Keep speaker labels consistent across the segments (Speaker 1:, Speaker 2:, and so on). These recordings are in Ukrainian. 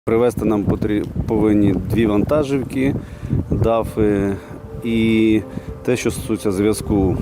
Speaker 1: Привезти нам повинні 2 вантажівки, дафи і те, що стосується зв'язку.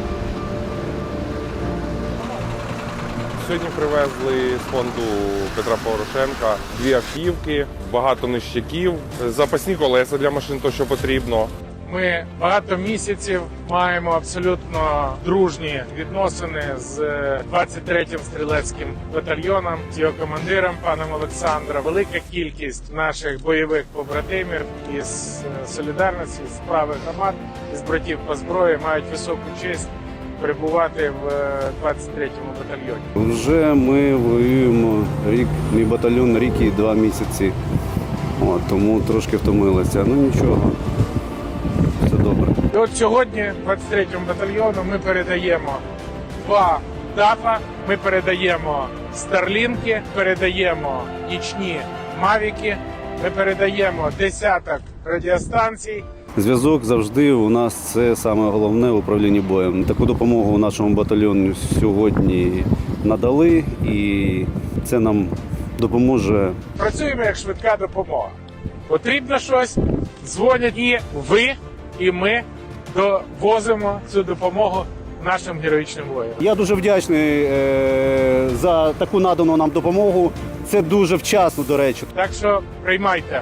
Speaker 2: Сьогодні привезли з фонду Петра Порошенка 2 автівки, багато нищаків, запасні колеса для машин, то що потрібно.
Speaker 3: Ми багато місяців маємо абсолютно дружні відносини з 23-м стрілецьким батальйоном, з його командиром паном Олександром. Велика кількість наших бойових побратимів із солідарності, з правих громад, із братів по зброї мають високу честь перебувати в 23-му батальйоні.
Speaker 1: Вже ми воюємо рік, мій батальйон рік і 2 місяці, тому трошки втомилися. Ну нічого, все добре.
Speaker 3: І от сьогодні 23-му батальйону ми передаємо 2 дафа, ми передаємо старлінки, передаємо нічні мавіки, ми передаємо десяток радіостанцій.
Speaker 1: Зв'язок завжди у нас це саме головне в управлінні боєм. Таку допомогу нашому батальйону сьогодні надали, і це нам допоможе.
Speaker 3: Працюємо як швидка допомога. Потрібно щось, дзвонять і ви, і ми довозимо цю допомогу нашим героїчним воїнам.
Speaker 1: Я дуже вдячний за таку надану нам допомогу. Це дуже вчасно, до речі.
Speaker 3: Так що приймайте.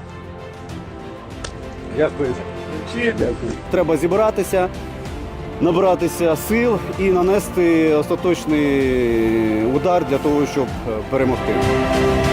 Speaker 1: Дякую. Треба зібратися, набратися сил і нанести остаточний удар для того, щоб перемогти.